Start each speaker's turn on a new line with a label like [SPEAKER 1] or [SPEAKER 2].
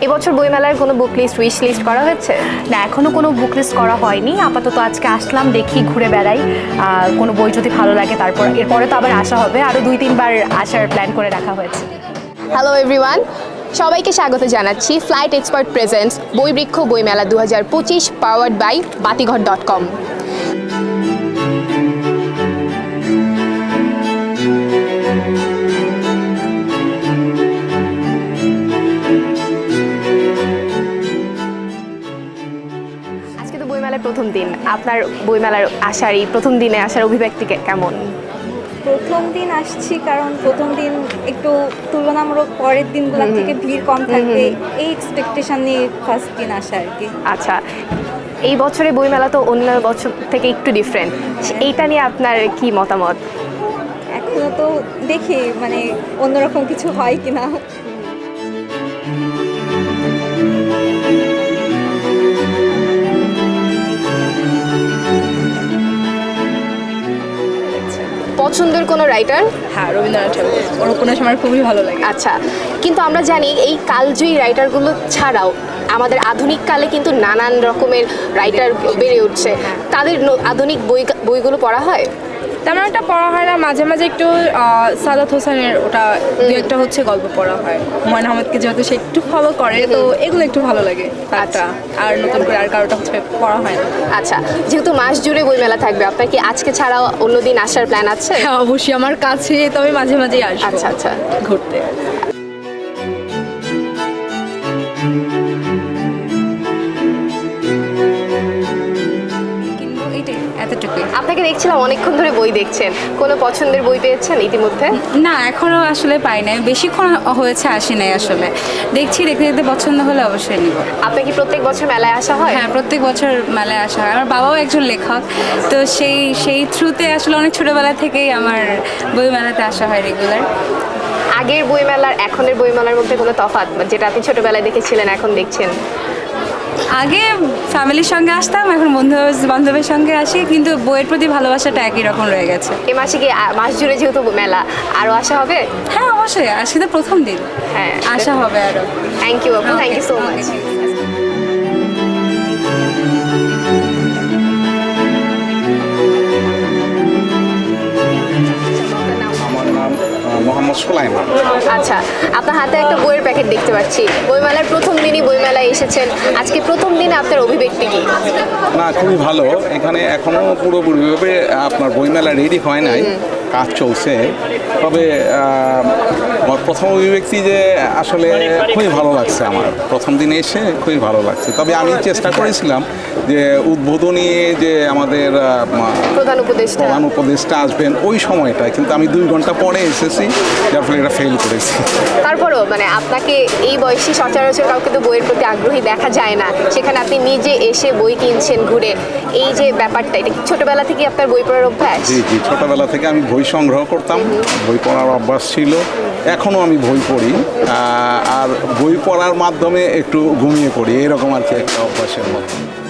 [SPEAKER 1] এবছর বইমেলার কোনো বুক লিস্ট উইশ লিস্ট করা হয়েছে?
[SPEAKER 2] না, এখনও কোনো বুক লিস্ট করা হয়নি। আপাতত আজকে আসলাম, দেখি, ঘুরে বেড়াই, কোনো বই যদি ভালো লাগে তারপর এরপরে তো আবার আসা হবে, আরও 2-3 বার আসার প্ল্যান করে রাখা হয়েছে।
[SPEAKER 1] হ্যালো এভরিওয়ান, সবাইকে স্বাগত জানাচ্ছি ফ্লাইট এক্সপার্ট প্রেজেন্টস বইবৃক্ষ বইমেলা 2025 পাওয়ার্ড বাই বাতিঘর.com। আজকে তো বইমেলার প্রথম দিন, আপনার বইমেলার আসার এই প্রথম দিনে আসার অভিব্যক্তি কেমন?
[SPEAKER 3] প্রথম দিন আসছি কারণ প্রথম দিন একটু তুলনামূলক পরের দিনগুলোর থেকে ভিড় কম থাকবে, এই এক্সপেকটেশন নিয়ে ফার্স্ট দিন আসা আর কি।
[SPEAKER 1] আচ্ছা, এই বছরে বইমেলা তো অন্য বছর থেকে একটু ডিফারেন্ট, এইটা নিয়ে আপনার কি মতামত?
[SPEAKER 3] এখনো তো দেখি মানে অন্যরকম কিছু হয় কিনা।
[SPEAKER 1] পছন্দের কোনো রাইটার?
[SPEAKER 4] হ্যাঁ, রবীন্দ্রনাথ ঠাকুর, ওর উপন্যাস আমার খুবই ভালো লাগে।
[SPEAKER 1] আচ্ছা, কিন্তু আমরা জানি এই কালজয়ী রাইটারগুলো ছাড়াও আমাদের আধুনিক কালে কিন্তু নানান রকমের রাইটার বেড়ে উঠছে, তাদের আধুনিক বইগুলো পড়া হয়?
[SPEAKER 4] তেমন একটা পড়া হয় না, মাঝে মাঝে একটু সাদাত হোসেনের ওটা দু একটা হচ্ছে গল্প পড়া হয়। হুমায়ুন আহমেদকে যেহেতু সে একটু ফলো করে, তো এগুলো একটু ভালো লাগে। আচ্ছা, আর নতুন করে আর কারোটা হচ্ছে পড়া হয় না।
[SPEAKER 1] আচ্ছা, যেহেতু মাস জুড়ে বইমেলা থাকবে, আপনার কি আজকে ছাড়াও অন্যদিন আসার প্ল্যান আছে?
[SPEAKER 4] হ্যাঁ, অবশ্যই আমার কাছে, তবে মাঝে মাঝেই আসবো।
[SPEAKER 1] আচ্ছা আচ্ছা,
[SPEAKER 4] ঘুরতে। এতটুকুই।
[SPEAKER 1] আপনাকে দেখছিলাম অনেকক্ষণ ধরে বই দেখছেন, কোনো পছন্দের বই পেয়েছেন ইতিমধ্যে?
[SPEAKER 5] না, এখনও আসলে পাই নাই, বেশিক্ষণ হয়েছে আসি নাই আসলে। দেখছি, দেখতে দেখতে পছন্দ হলে অবশ্যই নিব।
[SPEAKER 1] আপনার কি প্রত্যেক বছর মেলায় আসা হয়?
[SPEAKER 5] হ্যাঁ, প্রত্যেক বছর মেলায় আসা হয়। আমার বাবাও একজন লেখক, তো সেই থ্রুতে আসলে অনেক ছোটোবেলা থেকেই আমার বই মেলাতে আসা হয় রেগুলার।
[SPEAKER 1] আগের বইমেলার এখনের বইমেলার মধ্যে কোনো তফাৎ, যেটা আপনি ছোটবেলায় দেখেছিলেন এখন দেখছেন?
[SPEAKER 5] আগে ফ্যামিলির সঙ্গে আসতাম, এখন বন্ধু বান্ধবের সঙ্গে আসি, কিন্তু বইয়ের প্রতি ভালোবাসাটা একই রকম রয়ে গেছে।
[SPEAKER 1] এ মাসে কি মাস জুড়ে যেহেতু মেলা, আরও আসা হবে?
[SPEAKER 5] হ্যাঁ, অবশ্যই, আজকে তো প্রথম দিন।
[SPEAKER 1] হ্যাঁ,
[SPEAKER 5] আসা হবে আরও।
[SPEAKER 1] থ্যাংক ইউ আপু, থ্যাংক ইউ সো মাচ।
[SPEAKER 6] আমার নাম মোহাম্মদ সুলাইমান।
[SPEAKER 1] আচ্ছা, আপনার হাতে একটা বইয়ের প্যাকেট দেখতে পাচ্ছি, বইমেলার প্রথম দিনই বইমেলায় এসেছেন, আজকে প্রথম দিনে আপনার অভিব্যক্তি কি?
[SPEAKER 6] না, খুবই ভালো। এখানে এখনো পুরোপুরিভাবে আপনার বইমেলা রেডি হয় নাই, কাজ চলছে। তবে আমার প্রথম অভিব্যক্তি যে আসলে খুবই ভালো লাগছে, আমার প্রথম দিনে এসে খুবই ভালো লাগছে। তবে আমি চেষ্টা করেছিলাম যে উদ্বোধনী যে আমাদের
[SPEAKER 1] প্রধান উপদেষ্টা
[SPEAKER 6] আসবেন ওই সময়টা, কিন্তু আমি 2 ঘন্টা পরে এসেছি, যার ফলে এটা ফেল করেছি।
[SPEAKER 1] তারপরও মানে আপনাকে এই বয়সী সচরাচর কাউকে তো বইয়ের প্রতি আগ্রহী দেখা যায় না, সেখানে আপনি নিজে এসে বই কিনছেন ঘুরে, এই যে ব্যাপারটা, এটা কি ছোটবেলা থেকে আপনার বই পড়ার অভ্যাস?
[SPEAKER 6] জি জি, ছোটবেলা থেকে আমি বই সংগ্রহ করতাম, বই পড়ার অভ্যাস ছিল, এখনও আমি বই পড়ি, আর বই পড়ার মাধ্যমে একটু ঘুমিয়ে পড়ি, এরকম আর কি একটা অভ্যাসের মতো।